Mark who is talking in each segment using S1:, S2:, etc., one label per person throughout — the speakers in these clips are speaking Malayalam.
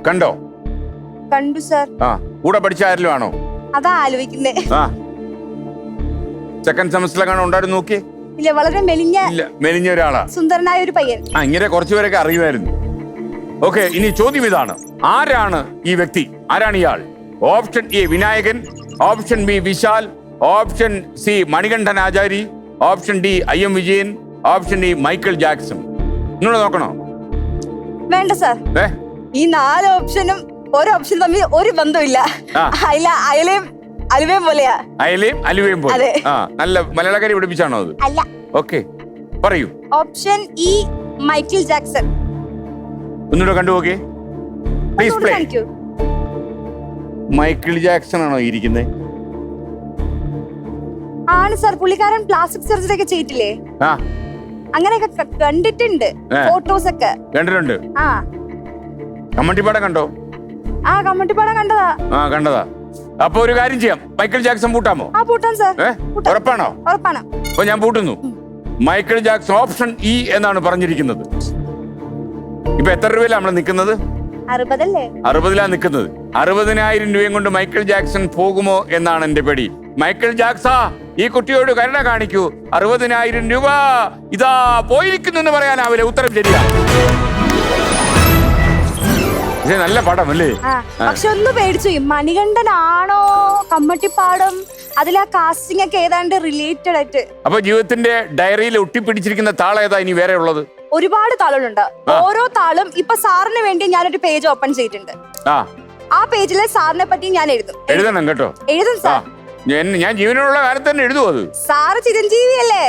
S1: കണ്ടോ?
S2: കണ്ടു സർ.
S1: ആ, കൂടെ പഠിച്ച ആരെങ്കിലും ആണോ?
S2: അതാ ആലോചിക്കുന്നേ.
S1: ആ, സെക്കൻഡ് സെമസ്റ്ററിലെങ്ങാണോ ഉണ്ടായിരുന്നു നോക്കി?
S2: ഇല്ല, വളരെ
S1: മെലിഞ്ഞ ഒരാളാ,
S2: സുന്ദരനായ ഒരു പയ്യൻ.
S1: ആ, ഇങ്ങനെ കുറച്ചുപേരൊക്കെ അറിയുമായിരുന്നു. ഓക്കെ, ഇനി ചോദ്യം ഇതാണ്, ആരാണ് ഈ വ്യക്തി? ആരാണ് ഇയാൾ? Option A Vinayakan, option B Vishal, option C Manikandan Achari, option D IM Vijayan, option D Michael Jackson. നിങ്ങൾ നോക്കണോ?
S2: വേണ്ട സർ. ഈ 4 ഓപ്ഷനും ഓരോ ഓപ്ഷൻ തമ്മിൽ ഒരു ബന്ധമില്ല. അയലയും അലുവയും പോലെയാ.
S1: അയലയും അലുവയും പോലെ. ആ, നല്ല മലയാളക്കാരി പഠിപ്പിച്ചാണോ അത്?
S2: അല്ല.
S1: ഓക്കെ, പറയൂ.
S2: Option E Michael Jackson.
S1: ഒന്നുകൂടെ കണ്ടുപോകെ പ്ലീസ് പ്ലേ. മൈക്കിൾ ജാക്സൺ ആണോ ഇരിക്കുന്നത്?
S2: ആണ് സർ. പുള്ളിക്കാരൻ പ്ലാസ്റ്റിക് സർജറി ഒക്കെ ചെയ്തിട്ടില്ലേ?
S1: ആ,
S2: അങ്ങനെയൊക്കെ കണ്ടിട്ടുണ്ട്, ഫോട്ടോസ് ഒക്കെ
S1: കണ്ടിട്ടുണ്ട്.
S2: ആ,
S1: കമ്മട്ടിപ്പാടം കണ്ടോ?
S2: ആ, കമ്മട്ടിപ്പാടം കണ്ടതാ.
S1: ആ, കണ്ടതാ. അപ്പൊ ഒരു കാര്യം ചെയ്യാം, മൈക്കിൾ ജാക്സൺ പൂട്ടാമോ?
S2: ആ, പൂട്ടാം സർ.
S1: ഉറപ്പാണോ?
S2: ഉറപ്പാണ്.
S1: അപ്പൊ ഞാൻ പൂട്ടുന്നു. മൈക്കിൾ ജാക്സൺ ഓപ്ഷൻ ഇ എന്നാണ് പറഞ്ഞിരിക്കുന്നത്. ഇപ്പൊ എത്ര രൂപയിലാണ് നമ്മൾ നിൽക്കുന്നത്?
S2: 60 അല്ലേ?
S1: 60 നിൽക്കുന്നത്. 60,000 രൂപയും കൊണ്ട് മൈക്കിൾ ജാക്സൺ പോകുമോ എന്നാണ് എന്റെ പേടി. മൈക്കിൾ ജാക്സാ, ഈ കുട്ടിയോട് കരുണ കാണിക്കൂ. 60,000 രൂപ ഇതാ പോയിരിക്കുന്നു എന്ന് പറയാനാവില്ല. ഉത്തരം ശരിയാ. നല്ല പടം അല്ലേ?
S2: പക്ഷെ ഒന്ന് പേടിച്ചു. മണികണ്ഠനാണോ കമ്മട്ടിപ്പാടം? അതിലാ കാസ്റ്റിംഗ് ഒക്കെ ഏതാണ്ട് റിലേറ്റഡ് ആയിട്ട്.
S1: അപ്പൊ ജീവിതത്തിന്റെ ഡയറിയിൽ ഒട്ടിപ്പിടിച്ചിരിക്കുന്ന താളം ഏതാ ഇനി വേറെ ഉള്ളത്?
S2: ഒരുപാട് താളുകളുണ്ട്. ഓരോ താളും ഇപ്പൊ സാറിന് വേണ്ടി ഞാനൊരു പേജ് ഓപ്പൺ ചെയ്തിട്ടുണ്ട്. ആ പേജില് സാറിനെ പറ്റി ഞാൻ
S1: എഴുതണം കേട്ടോ.
S2: എഴുതും സാർ.
S1: ഞാൻ ജീവനുള്ള കാലത്ത് തന്നെ എഴുതും അത്.
S2: സാറ് ചിരഞ്ജീവി അല്ലേ?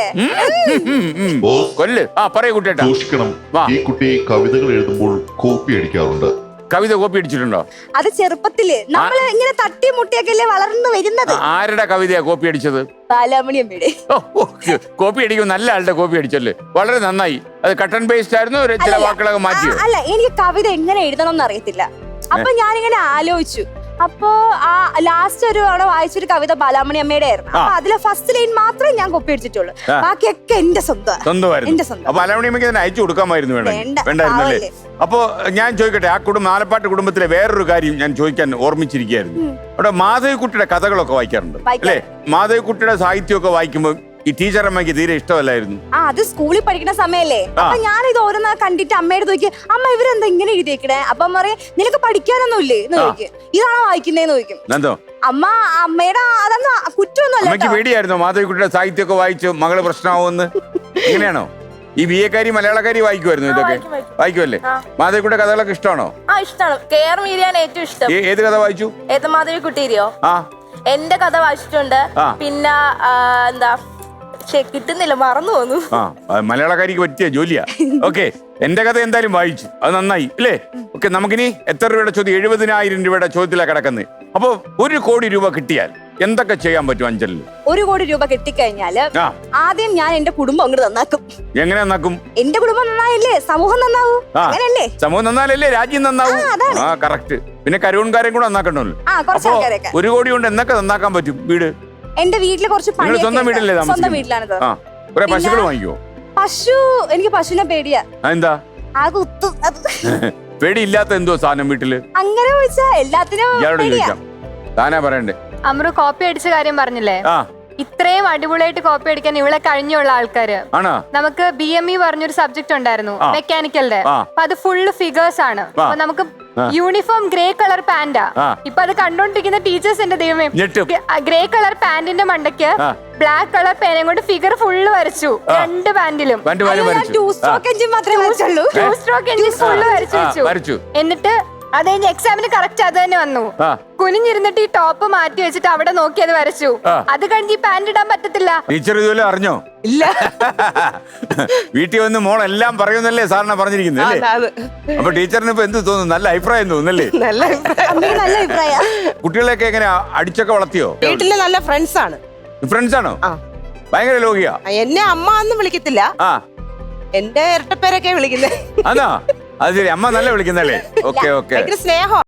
S1: കൊല്ല്. ആ, പറയൂ കുട്ടിയേട്ടാ.
S3: സൂക്ഷിക്കണം, ഈ കുട്ടി കവിതകൾ എഴുതുമ്പോൾ കോപ്പി അടിക്കാറുണ്ട്.
S1: കവിത കോപ്പി അടിച്ചിട്ടുണ്ടോ?
S2: അത് ചെറുപ്പത്തില് നമ്മൾ ഇങ്ങനെ തട്ടി മുട്ടിയൊക്കെ വളർന്നു വരുന്നത്.
S1: ആരുടെ കവിതയാ കോപ്പി അടിച്ചത്?
S2: ബാലാമണിയമ്മയുടെ.
S1: കോപ്പി അടിക്കും. നല്ല ആളുടെ കോപ്പി അടിച്ചല്ലേ, വളരെ നന്നായി. അത് കട്ട് ആൻഡ് പേസ്റ്റ് ആയിരുന്നു, ചില വാക്കുകളൊക്കെ മാറ്റിയോ?
S2: അല്ല, എനിക്ക് കവിത എങ്ങനെ എഴുതണം എന്ന് അറിയത്തില്ല. അപ്പൊ ഞാനിങ്ങനെ ആലോചിച്ചു. അപ്പൊ ആ ലാസ്റ്റ് ഒരു തവണ വായിച്ചൊരു കവിത ബാലാമണി അമ്മയുടെ ആയിരുന്നു. അപ്പൊ അതിലെ ഫസ്റ്റ് ലൈൻ മാത്രമേ ഞാൻ കോപ്പി അടിച്ചിട്ടുള്ളൂ. ബാക്കിയൊക്കെ എന്റെ സ്വന്തം.
S1: ബാലാമണി അമ്മയ്ക്ക് തന്നെ അയച്ചു കൊടുക്കാമായിരുന്നു. വേണ്ടായിരുന്നല്ലേ? അപ്പൊ ഞാൻ ചോദിക്കട്ടെ, ആ ആലപ്പാട്ട് കുടുംബത്തിലെ വേറൊരു കാര്യം ഞാൻ ചോദിക്കാൻ ഓർമ്മിച്ചിരിക്കുകയായിരുന്നു. അവിടെ മാധവിക്കുട്ടിയുടെ കഥകളൊക്കെ വായിക്കാറുണ്ട് അല്ലേ? മാധവിക്കുട്ടിയുടെ സാഹിത്യമൊക്കെ വായിക്കുമ്പോൾ ഈ ടീച്ചർ അമ്മയ്ക്ക് തീരെ ഇഷ്ടമല്ലായിരുന്നു.
S2: അത് സ്കൂളിൽ പഠിക്കുന്ന സമയല്ലേ. അപ്പൊ ഞാൻ ഇത് ഓരോന്ന് കണ്ടിട്ട് അമ്മയുടെ ചോദിക്കും, അമ്മ ഇവരെന്താ ഇങ്ങനെ എഴുതിയേക്കണേ? അപ്പൊ അമ്മ പറയും, നിനക്ക് പഠിക്കാനൊന്നും ഇല്ലേ എന്ന് ചോദിക്കും. ഇതാണോ വായിക്കുന്നേന്ന് ചോദിക്കും. അമ്മ അമ്മയുടെ അതൊന്നും കുറ്റമൊന്നും അല്ല.
S1: പേടിയായിരുന്നു മാധവിക്കുട്ടിയുടെ സാഹിത്യമൊക്കെ വായിച്ചു മകള് പ്രശ്നമാവുമെന്ന്? എങ്ങനെയാണോ? ഈ BA-കാരി മലയാളക്കാരി വായിക്കുമായിരുന്നു ഇതൊക്കെ? വായിക്കുമല്ലേ? മാധവിക്കുട്ടിയുടെ കഥകളൊക്കെ ഇഷ്ടമാണോ?
S4: ഇഷ്ടമാണ്. KR മീരയാണ് ഏറ്റവും ഇഷ്ടം.
S1: ഏത് കഥ വായിച്ചു?
S4: ഏത് മാധവിക്കുട്ടിയോ? എന്റെ കഥ വായിച്ചിട്ടുണ്ട്. പിന്നെ എന്താ കിട്ടുന്നില്ല, മറന്നു പോന്നു.
S1: മലയാളക്കാരിക്ക് പറ്റിയ ജോലിയാ. ഓക്കെ, എന്റെ കഥ എന്തായാലും വായിച്ചു, അത് നന്നായി അല്ലേ? ഓക്കെ, നമുക്കിനി എത്ര രൂപയുടെ ചോദ്യം? 70,000 രൂപയുടെ ചോദ്യത്തിലാണ് കിടക്കുന്നത്. അപ്പൊ 1 കോടി രൂപ കിട്ടിയാൽ എന്തൊക്കെ ചെയ്യാൻ പറ്റും അഞ്ചലിൽ?
S2: 1 കോടി രൂപ കിട്ടിക്കഴിഞ്ഞാല് ആദ്യം ഞാൻ എന്റെ കുടുംബം അങ്ങോട്ട് നന്നാക്കും.
S1: എങ്ങനെ നന്നാക്കും?
S2: എന്റെ കുടുംബം നന്നായില്ലേ സമൂഹം നന്നാവൂ. അങ്ങനല്ലേ?
S1: സമൂഹം നന്നാലല്ലേ രാജ്യം നന്നാവൂ. ആ, കറക്റ്റ്. പിന്നെ കരുവൻകാരെയും കൂടെ നന്നാക്കണമല്ലോ. 1 കോടി കൊണ്ട് എന്തൊക്കെ നന്നാക്കാൻ പറ്റും? വീട്,
S2: എന്റെ വീട്ടില് കുറച്ച്
S1: സ്വന്തം വീട്ടിലല്ലേ?
S2: സ്വന്തം വീട്ടിലാണ്.
S1: പശുക്കൾ വാങ്ങിക്കോ?
S2: എനിക്ക് പശുവിനെ പേടിയാ.
S1: എന്താ പേടിയില്ലാത്ത എന്തോ സാധനം വീട്ടില്? അങ്ങനെ ചോദിച്ചാ എല്ലാത്തിനും ചോദിക്കാം. താനാ പറയണ്ടേ?
S5: അമ്രു കോപ്പി അടിച്ച കാര്യം പറഞ്ഞില്ലേ? ഇത്രയും അടിപൊളിയായിട്ട് കോപ്പി അടിക്കാൻ ഇവിടെ കഴിഞ്ഞുള്ള ആൾക്കാര്. നമുക്ക് BME പറഞ്ഞൊരു സബ്ജക്ട് ഉണ്ടായിരുന്നു മെക്കാനിക്കലിന്റെ. അപ്പൊ അത് ഫുള്ള് ഫിഗേഴ്സ് ആണ്. അപ്പൊ നമുക്ക് യൂണിഫോം ഗ്രേ കളർ പാന്റാ. ഇപ്പൊ അത് കണ്ടോണ്ടിരിക്കുന്ന ടീച്ചേഴ്സ് എന്റെ ദൈവമേ, ഗ്രേ കളർ പാന്റിന്റെ മണ്ടയ്ക്ക് ബ്ലാക്ക് കളർ പേനയും കൊണ്ട് ഫിഗർ ഫുള്ള് വരച്ചു. 2 പാന്റിലും
S2: 2 സ്ട്രോക്ക് എഞ്ചിൻ മാത്രമേ വരച്ചുള്ളൂ.
S5: 2 സ്ട്രോക്ക് എഞ്ചിൻ ഫുള്ള് വരച്ചു. എന്നിട്ട് അത് കഴിഞ്ഞ് എക്സാമിന് കറക്റ്റ് അത് തന്നെ വന്നു. കുനിഞ്ഞിരുന്നിട്ട് ഈ ടോപ്പ് മാറ്റി വെച്ചിട്ട് അവിടെ നോക്കി അത് വരച്ചു. അത് കഴിഞ്ഞ് ഈ പാന്റ് ഇടാൻ പറ്റത്തില്ല.
S1: ടീച്ചർ ഇതുപോലെ അറിഞ്ഞോ?
S2: ഇല്ല.
S1: വീട്ടിൽ വന്ന് മോൾ എല്ലാം പറയുന്നല്ലേ സാറിനെ പറഞ്ഞിരിക്കുന്നത് അല്ലേ? അപ്പൊ ടീച്ചറിന് ഇപ്പൊ എന്ത് തോന്നുന്നു? നല്ല അഭിപ്രായം തോന്നുന്നല്ലേ?
S2: നല്ല അഭിപ്രായം.
S1: കുട്ടികളെയൊക്കെ എങ്ങനെ അടിച്ചൊക്കെ വളർത്തിയോ?
S6: വീട്ടിലെ നല്ല ഫ്രണ്ട്സ് ആണ്.
S1: ഫ്രണ്ട്സ് ആണോ? ഭയങ്കര ലോകിയാ.
S6: എന്നെ അമ്മ ഒന്നും വിളിക്കത്തില്ല, എന്റെ ഇരട്ടപ്പേരൊക്കെ വിളിക്കുന്നേ.
S1: അതാ, അത് ശരി. അമ്മ നല്ല വിളിക്കുന്നല്ലേ? ഓക്കെ,
S6: സ്നേഹം.